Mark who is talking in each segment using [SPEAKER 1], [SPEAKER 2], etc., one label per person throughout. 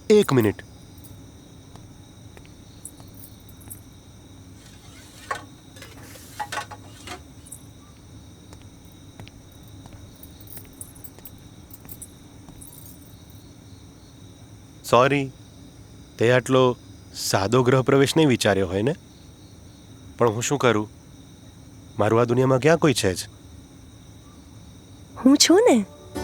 [SPEAKER 1] 1 minute. Sorry, તે આટલો સાદો ગ્રહ પ્રવેશ નહીં વિચાર્યો હોય ને? પણ હું શું કરું, મારું આ દુનિયામાં ક્યાં કોઈ છે જ.
[SPEAKER 2] હું છું ને.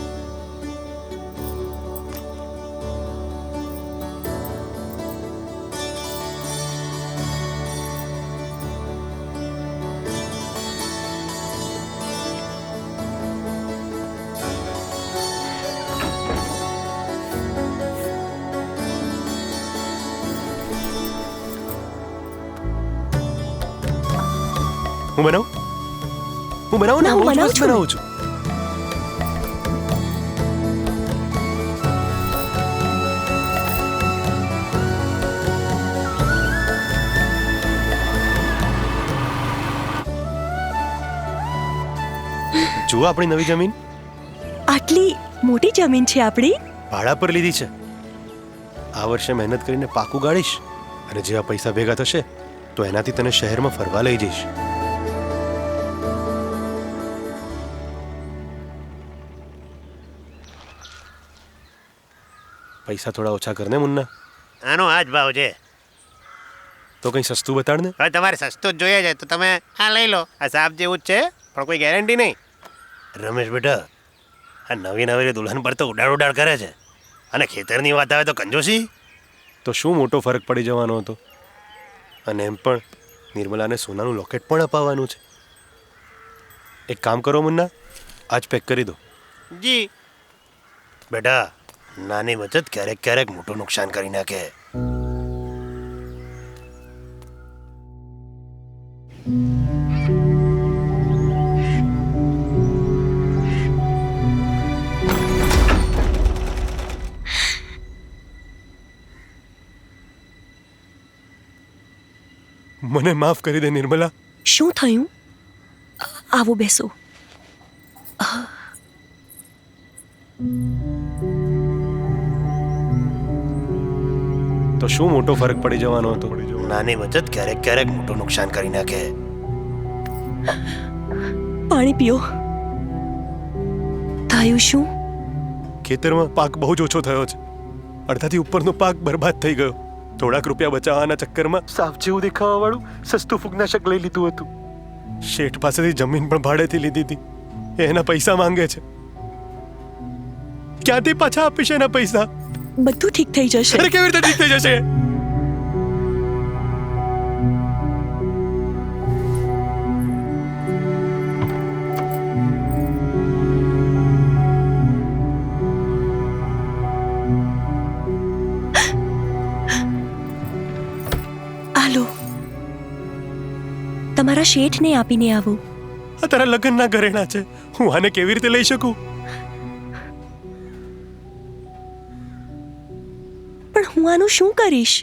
[SPEAKER 1] હું બનાવું ને,
[SPEAKER 2] ના,
[SPEAKER 1] હું
[SPEAKER 2] હું
[SPEAKER 1] બહુ જ
[SPEAKER 2] બનાવું
[SPEAKER 1] મસ્ત
[SPEAKER 2] છું ને.
[SPEAKER 1] બનાવું છું. જુઓ આપણી નવી જમીન.
[SPEAKER 2] આટલી મોટી જમીન છે આપણી.
[SPEAKER 1] ભાડા પર લીધી છે. આ વર્ષે મહેનત કરીને પાકું ગાળીશ, અને જેવા પૈસા ભેગા થશે તો એનાથી તને શહેરમાં ફરવા લઈ જઈશ. પૈસા થોડા ઓછા કરને મુન્ના.
[SPEAKER 3] આનો આ જ ભાવ છે.
[SPEAKER 1] તો કંઈ સસ્તું બતાડ ને.
[SPEAKER 3] હવે તમારે સસ્તું જ જોઈએ છે તો તમે આ લઈ લો. આ સાપ જેવું જ છે, પણ કોઈ ગેરંટી નહીં. રમેશ બેટા, આ નવી નવી દુલ્હન પર તો ઉડાડ કરે છે, અને ખેતરની વાત આવે તો કંજોશી.
[SPEAKER 1] તો શું મોટો ફરક પડી જવાનો હતો? અને એમ પણ નિર્મલાને સોનાનું લોકેટ પણ અપાવવાનું છે. એક કામ કરો મુન્ના, આજ પેક કરી દો.
[SPEAKER 3] જી બેટા, નાની બચત ક્યારેક ક્યારેક મોટું નુકસાન કરી નાખે.
[SPEAKER 1] મને માફ કરી દે નિર્મલા.
[SPEAKER 2] શું થયું? આવો બેસો.
[SPEAKER 1] તો શું મોટો ફરક પડી જવાનો હતો?
[SPEAKER 3] નાની બચત ક્યારેક ક્યારેક મોટું નુકસાન કરી નાખે.
[SPEAKER 2] પાણી પીઓ. થયું શું?
[SPEAKER 1] ખેતરમાં પાક બહુ જ ઓછો થયો છે. અડધાથી ઉપરનો પાક બરબાદ થઈ ગયો. થોડાક રૂપિયા બચાવવાના ચક્કરમાં સાફ જેવું દેખાવા વાળું સસ્તું ફૂગનાશક લઈ લીધું હતું. શેઠ પાસેથી જમીન પણ ભાડેથી લીધી હતી. એ એના પૈસા માંગે છે. ક્યાંથી પાછા આપીશ એના પૈસા?
[SPEAKER 2] બધું ઠીક થઈ જશે.
[SPEAKER 1] અરે કેવી રીતે ઠીક થઈ જશે?
[SPEAKER 2] આલો, તમારા શેઠને આપીને આવો.
[SPEAKER 1] આ તારા લગ્નના ઘરેણા છે, હું આને કેવી રીતે લઈ શકું?
[SPEAKER 2] પણ હું આનું શું કરીશ?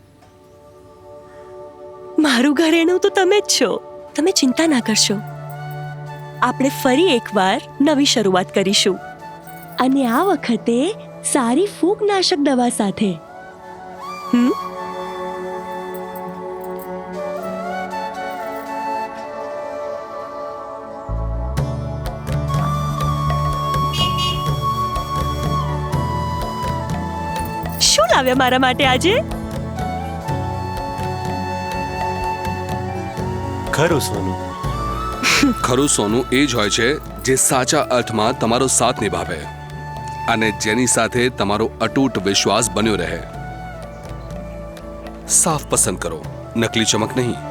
[SPEAKER 2] મારું ઘરેણું તો તમે જ છો. તમે ચિંતા ના કરશો. આપણે ફરી એકવાર નવી શરૂઆત કરીશું, અને આ વખતે સારી ફૂગનાશક દવા સાથે. શું લાવ્યા મારા માટે આજે?
[SPEAKER 1] ખરું સોનું.
[SPEAKER 4] ખરું સોનું એ જ હોય છે જે સાચા અર્થમાં તમારો સાથ નિભાવે, અને જેની સાથે તમારો અતૂટ વિશ્વાસ બન્યો રહે. સાફ પસંદ કરો, નકલી ચમક નહીં.